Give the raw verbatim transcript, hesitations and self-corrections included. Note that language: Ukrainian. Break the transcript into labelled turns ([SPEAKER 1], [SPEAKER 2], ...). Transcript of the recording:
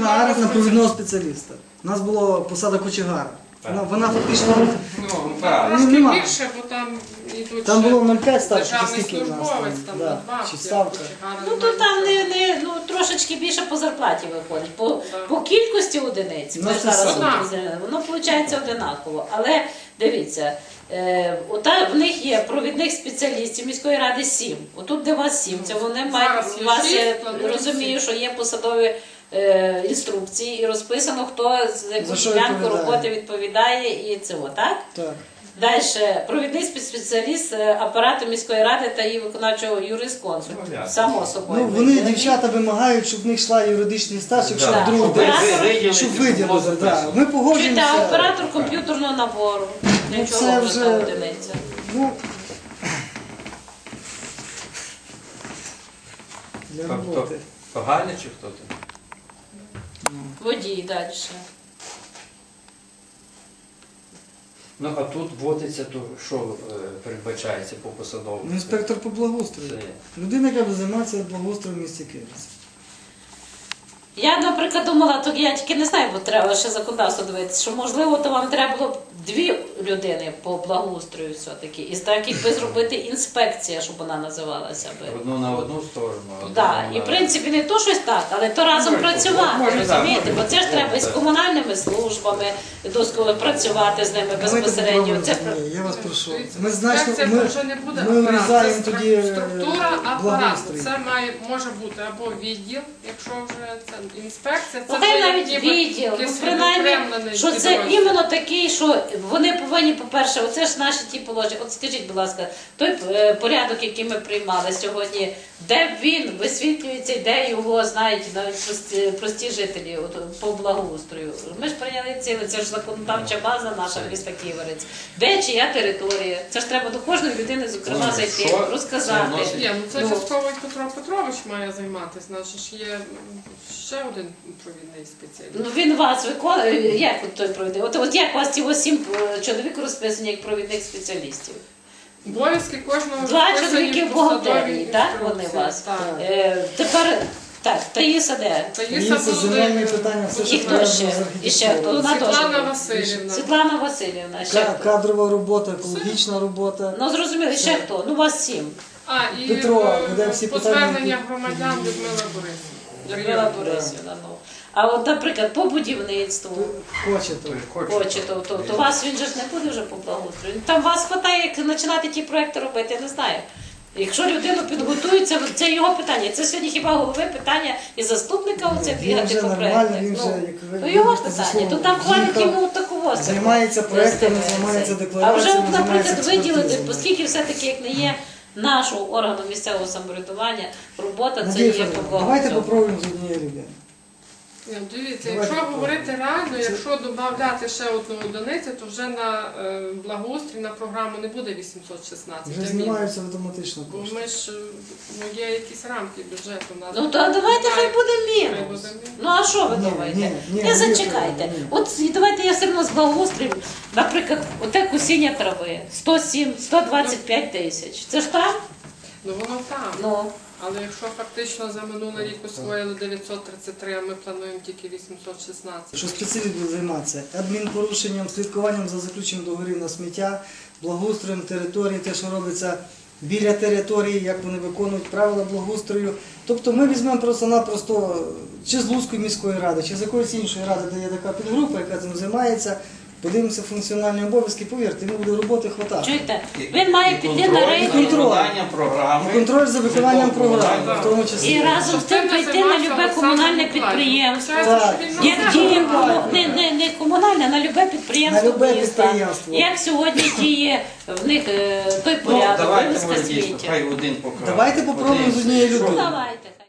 [SPEAKER 1] кочегар на провідного спеціаліста. У нас була посада кочегара. Вона, вона фактично...
[SPEAKER 2] Ну, правильно.
[SPEAKER 1] Ну,
[SPEAKER 3] Трошки
[SPEAKER 1] нема.
[SPEAKER 3] більше, бо там йдуть
[SPEAKER 1] Там
[SPEAKER 3] ще
[SPEAKER 1] було нуль п'ять ставки, чи
[SPEAKER 3] державний
[SPEAKER 1] скільки у нас там?
[SPEAKER 3] службовець, там
[SPEAKER 1] Да,
[SPEAKER 3] надбавки,
[SPEAKER 1] чи ставка.
[SPEAKER 3] кочегара
[SPEAKER 4] Ну то
[SPEAKER 3] немає.
[SPEAKER 4] там не, не ну трошечки більше по зарплаті виходить. По,
[SPEAKER 3] Так.
[SPEAKER 4] по кількості одиниць
[SPEAKER 1] Ну,
[SPEAKER 4] ми
[SPEAKER 1] це
[SPEAKER 4] зараз
[SPEAKER 3] саме.
[SPEAKER 4] розуміємо, воно виходить одинаково. Але дивіться, е, ота, в них є провідних спеціалістів міської ради сім. Отут де вас сім. Це вони мають
[SPEAKER 3] Зараз
[SPEAKER 4] у
[SPEAKER 3] є
[SPEAKER 4] вас
[SPEAKER 3] шість,
[SPEAKER 4] я
[SPEAKER 3] планують
[SPEAKER 4] розумію,
[SPEAKER 3] сім.
[SPEAKER 4] що є посадові е, інструкції і розписано, хто з
[SPEAKER 1] За
[SPEAKER 4] яку
[SPEAKER 1] що
[SPEAKER 4] ділянку
[SPEAKER 1] відповідає.
[SPEAKER 4] роботи відповідає і цього, так?
[SPEAKER 1] Так.
[SPEAKER 4] Далі, провідний спеціаліст е, апарату міської ради та її виконавчого юрисконсульту.
[SPEAKER 2] Ну, ясно.
[SPEAKER 4] Само собою.
[SPEAKER 1] Ну, вони, дівчата, вимагають, щоб в них йшла юридичний стаж, якщо
[SPEAKER 2] Да.
[SPEAKER 1] вдруг
[SPEAKER 4] Щоб
[SPEAKER 1] десь,
[SPEAKER 4] ви-
[SPEAKER 2] виділити,
[SPEAKER 1] щоб
[SPEAKER 2] щоб було
[SPEAKER 1] виділити. Да.
[SPEAKER 2] записано.
[SPEAKER 1] Ми
[SPEAKER 4] Чуєте,
[SPEAKER 1] погоджуємося.
[SPEAKER 4] а оператор комп'ютерного набору. Для
[SPEAKER 1] Ну,
[SPEAKER 4] чого
[SPEAKER 1] це
[SPEAKER 4] вже
[SPEAKER 1] вже-
[SPEAKER 4] та одиниця?
[SPEAKER 1] Ну, для
[SPEAKER 2] Тобто,
[SPEAKER 1] роботи.
[SPEAKER 2] то Галя чи хто там?
[SPEAKER 4] Водій далі.
[SPEAKER 2] Ну, а тут вводиться, то що е, передбачається по посадовому?
[SPEAKER 1] Ну, інспектор по благоустрою.
[SPEAKER 2] Це-
[SPEAKER 1] Людина, яка буде займатися благоустроєм в місті Київці.
[SPEAKER 4] Я, наприклад, думала, то я тільки не знаю, бо треба ще законодавство дивитися, що можливо, то вам треба було б дві людини по благоустрою все-таки. І так якби зробити інспекція, щоб вона називалася би.
[SPEAKER 2] Одну на одну сторону. одну
[SPEAKER 4] Да,
[SPEAKER 2] на-
[SPEAKER 4] і в принципі не то щось так, але то разом
[SPEAKER 2] Може,
[SPEAKER 4] працювати,
[SPEAKER 2] може, так,
[SPEAKER 4] розумієте?
[SPEAKER 2] може,
[SPEAKER 4] Бо це ж
[SPEAKER 2] так,
[SPEAKER 4] треба і з
[SPEAKER 2] так.
[SPEAKER 4] комунальними службами досково працювати з ними
[SPEAKER 1] Давайте
[SPEAKER 4] безпосередньо.
[SPEAKER 1] попробуємо,
[SPEAKER 4] Це
[SPEAKER 1] Ні, я вас прошу.
[SPEAKER 3] Дивіться,
[SPEAKER 1] Ми значно,
[SPEAKER 3] інспекція
[SPEAKER 1] ми,
[SPEAKER 3] вже не буде
[SPEAKER 1] ми
[SPEAKER 3] апарат,
[SPEAKER 1] врізаємо
[SPEAKER 3] це
[SPEAKER 1] тоді е,
[SPEAKER 3] структура апарату.
[SPEAKER 1] благоустрій.
[SPEAKER 3] Це має може бути або відділ, якщо вже це інспекція, це
[SPEAKER 4] Ну, хай
[SPEAKER 3] вже
[SPEAKER 4] навіть
[SPEAKER 3] як ніби
[SPEAKER 4] відділ, ну,
[SPEAKER 3] якийсь
[SPEAKER 4] принаймні,
[SPEAKER 3] відокремлений
[SPEAKER 4] що це
[SPEAKER 3] підрозділ.
[SPEAKER 4] іменно такий, що вони повинні, по-перше, оце ж наші ті положення. От скажіть, будь ласка, той е, порядок, який ми приймали сьогодні, де він висвітлюється, і де його знають навіть прості, прості жителі от, по благоустрою. Ми ж прийняли ціле, це ж законодавча база наша міста Ківерець. Де чия територія? Це ж треба до кожної людини, зокрема,
[SPEAKER 2] Ну,
[SPEAKER 4] зайти,
[SPEAKER 2] що
[SPEAKER 4] розказати.
[SPEAKER 2] це вносить?
[SPEAKER 3] Ні, ну це
[SPEAKER 4] Ну.
[SPEAKER 3] частково і Петро Петрович має займатися. Наш ж є м, ще один провідний спеціаліст.
[SPEAKER 4] Ну він вас виконує, як от той провідний? От, от як у вас ці ось сім е, чоловік розписані як провідних спеціалістів?
[SPEAKER 3] Обов'язки кожного
[SPEAKER 4] Два
[SPEAKER 3] розписані
[SPEAKER 4] чоловіки
[SPEAKER 3] в
[SPEAKER 4] в
[SPEAKER 3] посадовій
[SPEAKER 4] бухгалтерії, так? Вони
[SPEAKER 3] інструкції.
[SPEAKER 4] вас.
[SPEAKER 3] Так.
[SPEAKER 4] Е, тепер так, Таїса де?
[SPEAKER 3] Таїса
[SPEAKER 1] Таїса,
[SPEAKER 3] буде,
[SPEAKER 1] земельні питання, все,
[SPEAKER 4] І
[SPEAKER 1] що
[SPEAKER 4] хто
[SPEAKER 1] треба
[SPEAKER 4] ще?
[SPEAKER 1] з
[SPEAKER 4] І ще хто? Вона теж.
[SPEAKER 3] Світлана
[SPEAKER 4] буде.
[SPEAKER 3] Васильівна.
[SPEAKER 4] Світлана Васильівна, ще
[SPEAKER 1] Ка-
[SPEAKER 4] хто?
[SPEAKER 1] кадрова робота, екологічна робота.
[SPEAKER 4] Ну зрозуміли, ще хто? Ну вас сім.
[SPEAKER 3] А, і
[SPEAKER 1] Петро,
[SPEAKER 3] е,
[SPEAKER 1] буде всі
[SPEAKER 3] по
[SPEAKER 1] питання,
[SPEAKER 3] звернення
[SPEAKER 1] які-
[SPEAKER 3] громадян Людмила Борисівна.
[SPEAKER 4] Людмила Борисівна. Ну. А от, наприклад, по будівництву.
[SPEAKER 1] Хочете.
[SPEAKER 4] Хоче, то, то, то вас він же ж не буде вже по благоустрою. Там вас хватає, як починати ті проекти робити, я не знаю. Якщо людину підготується, це його питання. Це сьогодні хіба голови питання і заступника оце
[SPEAKER 1] Він
[SPEAKER 4] бігати
[SPEAKER 1] вже
[SPEAKER 4] по
[SPEAKER 1] нормально,
[SPEAKER 4] проектах.
[SPEAKER 1] він вже,
[SPEAKER 4] Ну,
[SPEAKER 1] як ви
[SPEAKER 4] ну його
[SPEAKER 1] вибачте за
[SPEAKER 4] питання.
[SPEAKER 1] слово,
[SPEAKER 4] То там хвалить
[SPEAKER 1] їхав,
[SPEAKER 4] йому такого.
[SPEAKER 1] займається проектами, займається
[SPEAKER 4] А вже,
[SPEAKER 1] деклараціями,
[SPEAKER 4] от, наприклад,
[SPEAKER 1] займається
[SPEAKER 4] виділити,
[SPEAKER 1] експертизами.
[SPEAKER 4] оскільки все-таки як не є нашого органу місцевого самоврядування, робота це
[SPEAKER 1] Надія
[SPEAKER 4] є
[SPEAKER 1] Федорівна,
[SPEAKER 4] по
[SPEAKER 1] давайте
[SPEAKER 4] цьому.
[SPEAKER 1] попробуємо з однієї людини.
[SPEAKER 3] Ні, дивіться,
[SPEAKER 1] Давайте
[SPEAKER 3] якщо
[SPEAKER 1] попробуємо.
[SPEAKER 3] говорити реально,
[SPEAKER 1] Це-
[SPEAKER 3] якщо додати ще одну одиницю, то вже на е, благоустрій на програму не буде вісімсот шістнадцять.
[SPEAKER 1] Вже
[SPEAKER 3] а мінус.
[SPEAKER 1] знімаються автоматично
[SPEAKER 3] Бо
[SPEAKER 1] кошти.
[SPEAKER 3] ми ж, е, ну, є якісь рамки бюджету. у нас.
[SPEAKER 4] Ну то давайте хай буде
[SPEAKER 3] Хай
[SPEAKER 4] мінус.
[SPEAKER 3] буде мінус.
[SPEAKER 4] Ну а що ви
[SPEAKER 1] Ні,
[SPEAKER 4] думаєте?
[SPEAKER 1] ні, ні,
[SPEAKER 4] Не
[SPEAKER 1] ні,
[SPEAKER 4] зачекайте.
[SPEAKER 1] ні.
[SPEAKER 4] От і давайте я все одно з благоустрою, наприклад, оте косіння трави сто сім сто двадцять п'ять тисяч. Це ж там?
[SPEAKER 3] Ну воно там.
[SPEAKER 4] Ну.
[SPEAKER 3] Але якщо фактично за минулий рік освоїли дев'ятсот тридцять три, а ми плануємо тільки вісімсот шістнадцять.
[SPEAKER 1] Що спеціаліст буде займатися адмінпорушенням, слідкуванням за заключенням договорів на сміття, благоустроєм території, те, що робиться біля території, як вони виконують правила благоустрою. Тобто ми візьмемо просто-напросто чи з Луцької міської ради, чи з якоїсь іншої ради, де є така підгрупа, яка цим займається, подивимося функціональні обов'язки, повірте, йому буде роботи хватати.
[SPEAKER 4] Чуєте? Він має піти на
[SPEAKER 1] І
[SPEAKER 4] рейтинг
[SPEAKER 1] контроль.
[SPEAKER 2] виконання програми.
[SPEAKER 1] І контроль за виконанням програми, в тому
[SPEAKER 4] і
[SPEAKER 1] числі.
[SPEAKER 4] разом з тим прийти на любе комунальне підприємство. Як діє кому- не, не, не комунальне, а на любе підприємство
[SPEAKER 1] На любе
[SPEAKER 4] міста.
[SPEAKER 1] підприємство.
[SPEAKER 4] Як сьогодні діє в них е, той
[SPEAKER 2] Ну,
[SPEAKER 4] порядок,
[SPEAKER 2] давайте,
[SPEAKER 4] вивезка
[SPEAKER 2] може, дійсно,
[SPEAKER 4] сміття.
[SPEAKER 2] хай один покаже.
[SPEAKER 1] Давайте попробуємо
[SPEAKER 2] Один.
[SPEAKER 1] з однієї
[SPEAKER 2] Що?
[SPEAKER 1] людини.
[SPEAKER 4] Давайте.